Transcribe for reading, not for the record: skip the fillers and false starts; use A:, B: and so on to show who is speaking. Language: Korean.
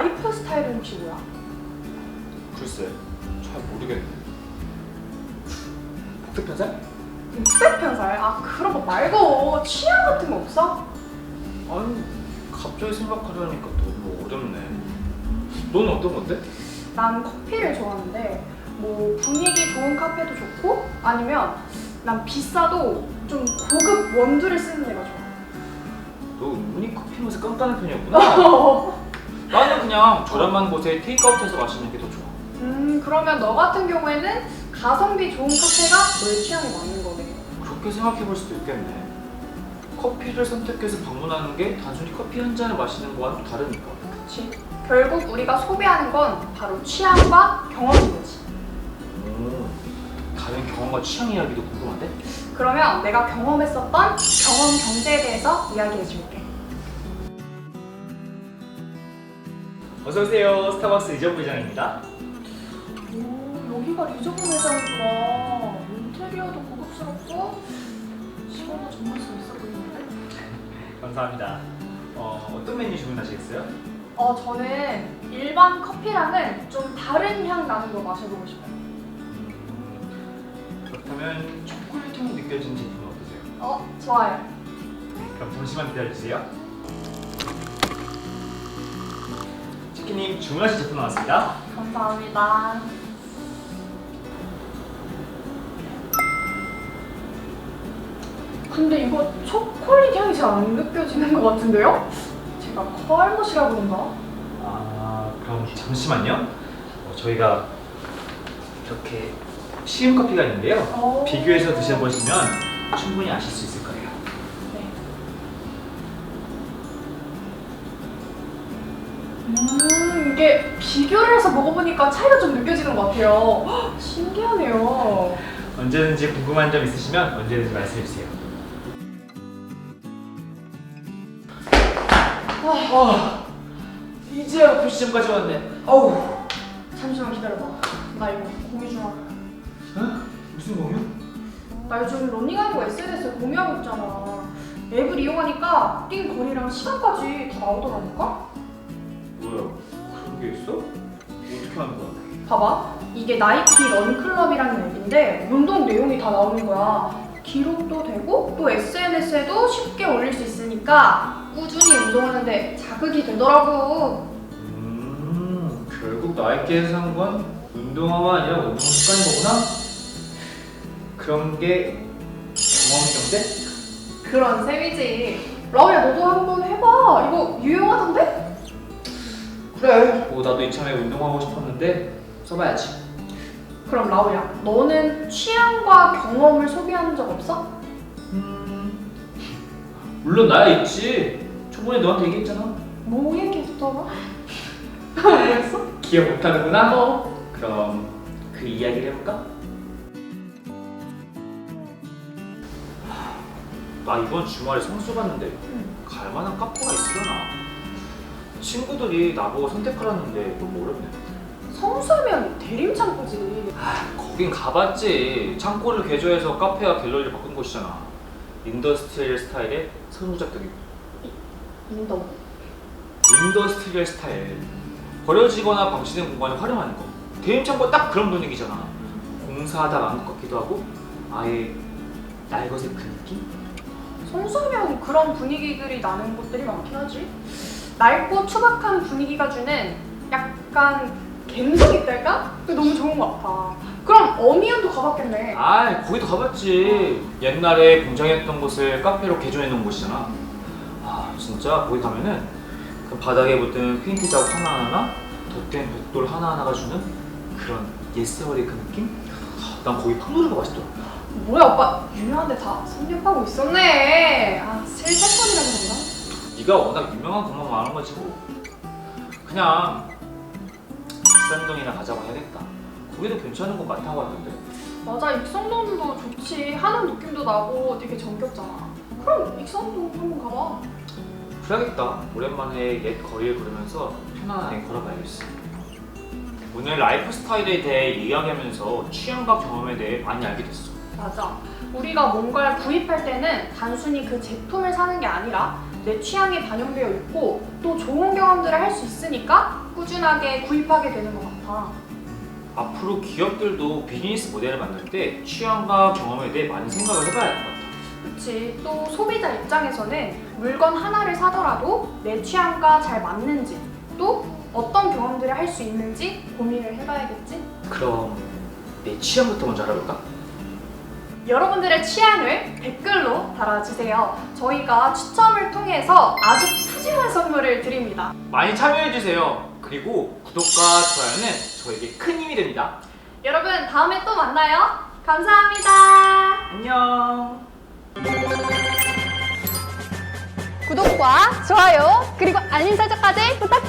A: 라이프 스타일은 혹시 뭐야?
B: 글쎄, 잘 모르겠네. 복습 편살?
A: 육색 편살? 아 그런 거 말고 취향 같은 거 없어?
B: 아니, 갑자기 생각하려니까 너무 어렵네. 넌 어떤 건데?
A: 난 커피를 좋아하는데 뭐 분위기 좋은 카페도 좋고 아니면 난 비싸도 좀 고급 원두를 쓰는 데가 좋아.
B: 너 은근히 커피 맛에 깐깐한 편이었구나. 나는 그냥 저렴한 곳에 테이크아웃해서 마시는 게 더 좋아.
A: 그러면 너 같은 경우에는 가성비 좋은 카페가 너의 취향에 맞는 거네.
B: 그렇게 생각해 볼 수도 있겠네. 커피를 선택해서 방문하는 게 단순히 커피 한 잔을 마시는 거와는 또 다르니까.
A: 그치? 결국 우리가 소비하는 건 바로 취향과 경험인 거지.
B: 다른 경험과 취향 이야기도 궁금한데?
A: 그러면 내가 경험했었던 경험 경제에 대해서 이야기해 줄게.
C: 어서오세요. 스타벅스 이정 부장입니다.
A: 오, 여기가 리저브 매장이구나. 인테리어도 고급스럽고 시간도 정말 수 있어 보이는데?
C: 감사합니다. 어떤 메뉴 주문하시겠어요?
A: 저는 일반 커피랑은 좀 다른 향 나는 거 마셔보고 싶어요.
B: 그렇다면 초콜릿 향이 느껴지는 제품은 어떠세요?
A: 좋아요.
C: 그럼 잠시만 기다려주세요. 치킨님 주문하신 제품 나왔습니다.
A: 감사합니다. 근데 이거 초콜릿 향이 잘 안 느껴지는 것 같은데요? 제가 컬머시라 그런가?
C: 그럼 잠시만요. 저희가 이렇게 시음 커피가 있는데요. 비교해서 드셔보시면 충분히 아실 수 있을 거예요.
A: 네. 이게 비교를 해서 먹어보니까 차이가 좀 느껴지는 것 같아요. 헉, 신기하네요.
C: 언제든지 궁금한 점 있으시면 언제든지 말씀해주세요.
B: 이제야 커피 시점까지 왔네. 어우.
A: 잠시만 기다려봐. 나 이거 공유 좀 할게.
B: 어? 무슨 공유?
A: 나 요즘 러닝하는 거 SNS에 공유하고 있잖아. 앱을 이용하니까 뛴 거리랑 시간까지 다 나오더라니까?
B: 뭐야? 그런 게 있어? 어떻게 하는 거야?
A: 봐봐. 이게 나이키 런클럽이라는 앱인데 운동 내용이 다 나오는 거야. 기록도 되고 또 SNS에도 쉽게 올릴 수 있으니까 꾸준히 운동하는데 자극이 되더라고.
B: 결국 나이키에서 산 건 운동화가 아니라 운동 습관인 거구나? 그런 게 경험 경제?
A: 그런 셈이지. 라우야 너도 한번 해봐. 이거 유용하던데?
B: 그래. 뭐 나도 이참에 운동하고 싶었는데 써봐야지.
A: 그럼 라우야 너는 취향과 경험을 소비한 적 없어?
B: 물론 나야 있지. 초반에 너한테 얘기했잖아.
A: 뭐 얘기했더라? 뭐였어?
B: 기억 못하는구나?
A: 어.
B: 그럼 그 이야기를 해볼까? 나 이번 주말에 성수 갔는데 갈만한 카페가 있으려나? 친구들이 나보고 선택하라는데 너무 어렵네.
A: 성수면 대림창고지.
B: 거긴 가봤지. 창고를 개조해서 카페와 갤러리를 바꾼 곳이잖아. 인더스트리얼 스타일의 선후작격이고.
A: 인도.
B: 인더스트리얼 스타일. 버려지거나 방치된 공간을 활용하는 거. 대림창고 딱 그런 분위기잖아. 공사하다 만 것 같기도 하고 아예 날것의 그 느낌?
A: 성수면 그런 분위기들이 나는 곳들이 많긴 하지. 낡고 투박한 분위기가 주는 약간 갬성 있달까? 그게 너무 좋은 것 같아. 그럼 어미언도 가봤겠네.
B: 아, 거기도 가봤지. 옛날에 공장했던 곳을 카페로 개조해 놓은 곳이잖아. 아, 진짜 거기 가면은 그 바닥에 묻은 페인트 자국 하나하나, 덧댄 벽돌 하나하나가 주는 그런 옛세월의 그 느낌? 난 거기 팡도르가 맛있더라.
A: 뭐야 오빠 유명한데 다 섭렵하고 있었네. 실패권이라 그런가?
B: 네가 워낙 유명한 것만 말한 거지 뭐. 그냥 익산동이나 가자고 해야겠다. 거기도 괜찮은 거 많다고 하던데.
A: 맞아 익선동도 좋지. 하는 느낌도 나고 되게 정겹잖아. 그럼 익선동 한번 가봐.
B: 그래야겠다. 오랜만에 옛 거리를 걸으면서 편안하게 걸어봐야겠어. 오늘 라이프 스타일에 대해 이야기하면서 취향과 경험에 대해 많이 알게 됐어.
A: 맞아. 우리가 뭔가를 구입할 때는 단순히 그 제품을 사는 게 아니라 내 취향에 반영되어 있고 또 좋은 경험들을 할 수 있으니까 꾸준하게 구입하게 되는 것 같아.
B: 앞으로 기업들도 비즈니스 모델을 만들 때 취향과 경험에 대해 많이 생각을 해봐야 할 것 같아.
A: 그치. 또 소비자 입장에서는 물건 하나를 사더라도 내 취향과 잘 맞는지 또 어떤 경험들을 할 수 있는지 고민을 해봐야겠지?
B: 그럼 내 취향부터 먼저 알아볼까?
A: 여러분들의 취향을 댓글로 달아주세요. 저희가 추첨을 통해서 아주 푸짐한 선물을 드립니다.
B: 많이 참여해주세요. 그리고 구독과 좋아요는 저에게 큰 힘이 됩니다.
A: 여러분 다음에 또 만나요. 감사합니다.
B: 안녕.
D: 구독과 좋아요 그리고 알림 설정까지 부탁드립니다.